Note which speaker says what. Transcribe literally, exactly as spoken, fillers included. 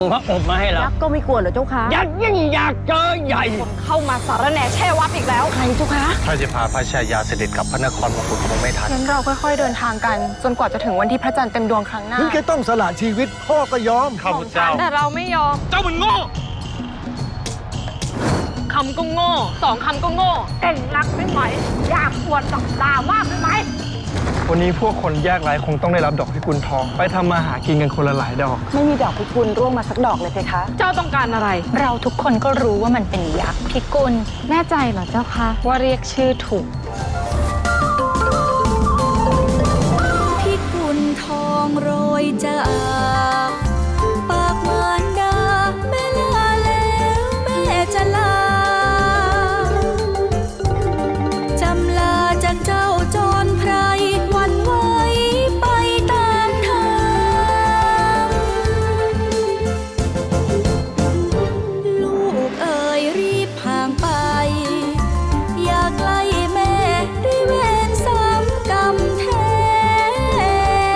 Speaker 1: พระอบมาให้เรา
Speaker 2: ยักษ์ก็ไม่กลัวเหรอเจ้าคะ
Speaker 1: ยักษ์ยิ่งอยากเจอใหญ่
Speaker 3: คนเข้ามาสารแหน่แช่วัดอีกแล้วใครเจ้าคะ
Speaker 4: ถ้าจะพาพระชายาเสด็จกลับพระนครมงกุฎคงไม่ทัน
Speaker 3: งั้นเราค่อยๆเดินทางกัน จนกว่าจะถึงวันที่พระจันทร์เต็มดวงครั้งหน้า
Speaker 5: ถึงแกต้องสละชีวิตพ่อก็ยอม
Speaker 4: ข้าพเจ้า
Speaker 3: แต่เราไม่ยอม
Speaker 1: เจ้ามันโง่
Speaker 3: คำก็โง่สองคำก็โง่เก่งรักไม่ไหวอยากปวดกับตามากไปไหม
Speaker 6: วันนี้พวกคนยากไร้คงต้องได้รับดอกพิกุลทอง ไปทำมาหากินกันคนละหลายดอก
Speaker 2: ไม่มีดอกพิกุลร่วงมาสักดอกเลยเพคะ
Speaker 3: เจ้าต้องการอะไร
Speaker 7: เราทุกคนก็รู้ว่ามันเป็นยักษ์พิกุลแน่ใจเหรอเจ้าคะ ว่าเรียกชื่อถูก
Speaker 8: พิกุลทองโรยจาก